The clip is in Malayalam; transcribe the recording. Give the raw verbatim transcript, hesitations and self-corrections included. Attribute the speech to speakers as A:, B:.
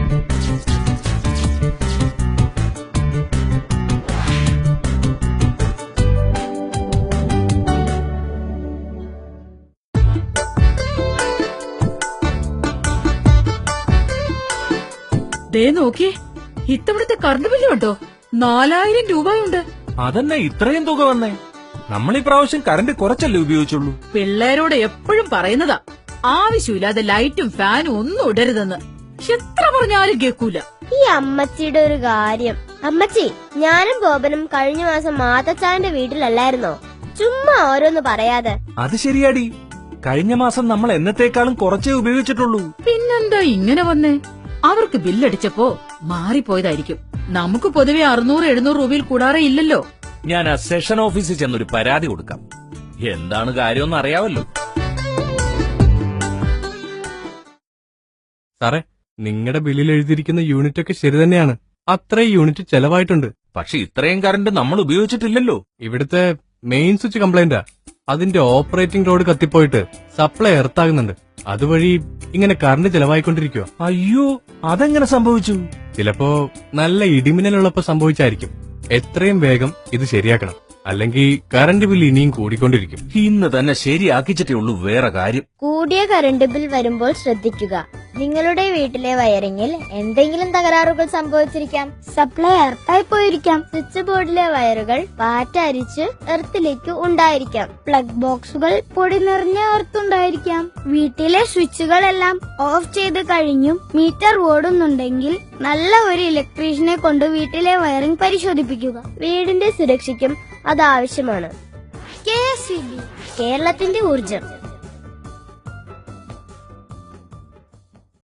A: ദേ നോക്കിയേ, ഇത്തവണത്തെ കറണ്ട് ബില്ല് കണ്ടോ? നാലായിരം രൂപയുണ്ട്.
B: അതന്നെ ഇത്രയും തുക വന്നേ. നമ്മൾ ഈ പ്രാവശ്യം കറണ്ട് കുറച്ചല്ലേ ഉപയോഗിച്ചുള്ളൂ.
A: പിള്ളേരോട് എപ്പോഴും പറയുന്നതാ, ആവശ്യമില്ലാതെ ലൈറ്റും ഫാനും ഒന്നും ഇടരുതെന്ന്. എത്ര പറഞ്ഞാലും കേൾക്കൂല.
C: ഈ അമ്മച്ചിയുടെ ഒരു കാര്യം. അമ്മച്ചി, ഞാനും ബോബനും കഴിഞ്ഞ മാസം മാതച്ചാന്റെ വീട്ടിലല്ലായിരുന്നോ? ചുമ്മാ ഓരോന്ന് പറയാതെ.
B: അത് ശരിയാടി, കഴിഞ്ഞ മാസം നമ്മൾ എന്നത്തേക്കാളും കുറച്ചേ ഉപയോഗിച്ചിട്ടുള്ളൂ.
A: പിന്നെന്താ ഇങ്ങനെ വന്നേ? അവർക്ക് ബില്ലടിച്ചപ്പോ മാറിപ്പോയതായിരിക്കും. നമുക്ക് പൊതുവെ അറുന്നൂറ് എഴുന്നൂറ് രൂപയിൽ കൂടാറേ ഇല്ലല്ലോ.
B: ഞാൻ ആ സെഷൻ ഓഫീസിൽ ചെന്നൊരു പരാതി കൊടുക്കാം. എന്താണ് കാര്യമെന്ന് അറിയാവല്ലോ.
D: സാറേ, നിങ്ങളുടെ ബില്ലിൽ എഴുതിയിരിക്കുന്ന യൂണിറ്റ് ഒക്കെ ശരി തന്നെയാണ്. അത്രയും യൂണിറ്റ് ചെലവായിട്ടുണ്ട്.
B: പക്ഷെ ഇത്രയും കറണ്ട് നമ്മൾ ഉപയോഗിച്ചിട്ടില്ലല്ലോ.
D: ഇവിടുത്തെ മെയിൻ സ്വിച്ച് കംപ്ലൈന്റാ. അതിന്റെ ഓപ്പറേറ്റിംഗ് റോഡ് കത്തിപ്പോയിട്ട് സപ്ലൈ എർത്താകുന്നുണ്ട്. അതുവഴി ഇങ്ങനെ കറണ്ട് ചെലവായിക്കൊണ്ടിരിക്കുക.
B: അയ്യോ, അതെങ്ങനെ സംഭവിച്ചു?
D: ചിലപ്പോ നല്ല ഇടിമിന്നലുള്ളപ്പോ സംഭവിച്ചായിരിക്കും. എത്രയും വേഗം ഇത് ശരിയാക്കണം, അല്ലെങ്കിൽ കറണ്ട് ബിൽ ഇനിയും കൂടിക്കൊണ്ടിരിക്കും.
B: ഇന്ന് തന്നെ ശരിയാക്കിച്ചിട്ടേ ഉള്ളൂ. വേറെ കാര്യം,
C: കൂടിയ കറണ്ട് ബിൽ വരുമ്പോൾ ശ്രദ്ധിക്കുക. നിങ്ങളുടെ വീട്ടിലെ വയറിങ്ങിൽ എന്തെങ്കിലും തകരാറുകൾ സംഭവിച്ചിരിക്കാം. സപ്ലൈ എർത്തായി പോയിരിക്കാം. സ്വിച്ച് ബോർഡിലെ വയറുകൾ പാറ്റരിച്ച് എർത്തിലേക്ക് ഉണ്ടായിരിക്കാം. പ്ലഗ് ബോക്സുകൾ പൊടി നിറഞ്ഞ എർത്തുണ്ടായിരിക്കാം. വീട്ടിലെ സ്വിച്ചുകളെല്ലാം ഓഫ് ചെയ്ത് കഴിഞ്ഞും മീറ്റർ ഓടുന്നുണ്ടെങ്കിൽ നല്ല ഒരു ഇലക്ട്രീഷ്യനെ കൊണ്ട് വീട്ടിലെ വയറിംഗ് പരിശോധിപ്പിക്കുക. വീടിന്റെ സുരക്ഷയ്ക്കും അത് ആവശ്യമാണ്. കെ എസ് ഇ ബി, കേരളത്തിന്റെ ഊർജം.